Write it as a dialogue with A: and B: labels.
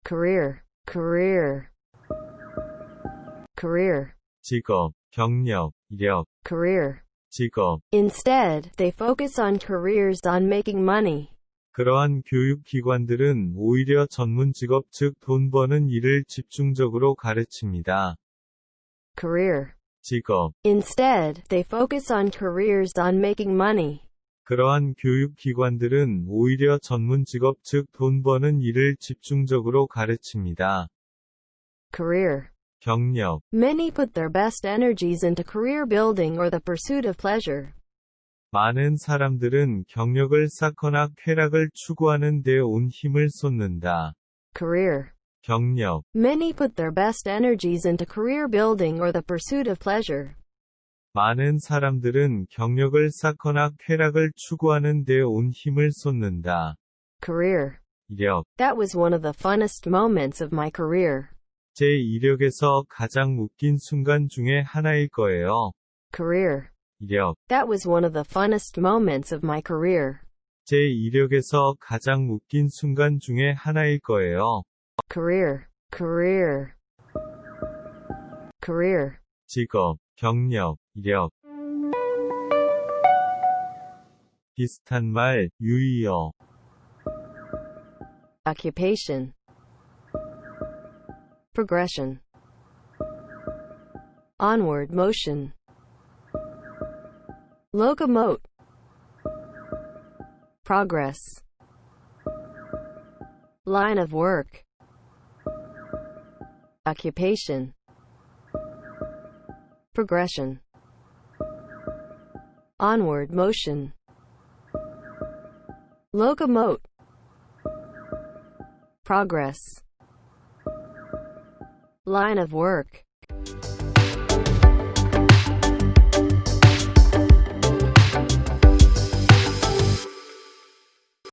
A: career, career, career,
B: 직업, 경력, 이력,
A: career.
B: 직업.
A: Instead, they focus on careers on making money.
B: 그러한 교육기관들은 오히려 전문 직업 즉 돈 버는 일을 집중적으로 가르칩니다.
A: Career.
B: 직업.
A: Instead, they focus on careers on making money.
B: 그러한 교육기관들은 오히려 전문 직업 즉 돈 버는 일을 집중적으로 가르칩니다.
A: Career.
B: 경력.
A: Many put their best energies into career building or the pursuit of pleasure.
B: 많은 사람들은 경력을 쌓거나 쾌락을 추구하는 데 온 힘을 쏟는다.
A: Career.
B: 경력.
A: Many put their best energies into career building or the pursuit of pleasure.
B: 많은 사람들은 경력을 쌓거나 쾌락을 추구하는 데 온 힘을 쏟는다.
A: Career.
B: 이력.
A: That was one of the funnest moments of my career.
B: 제 이력에서 가장 웃긴 순간 중에 하나일 거예요.
A: Career.
B: 이력.
A: That was one of the funnest moments of my career.
B: 제 이력에서 가장 웃긴 순간 중에 하나일 거예요.
A: Career, career, career.
B: 직업, 경력, 이력. 비슷한 말, 유의어.
A: Occupation. Progression. Onward motion. Locomote. Progress. Line of work. Occupation. Progression. Onward motion. Locomote. Progress. Line of work.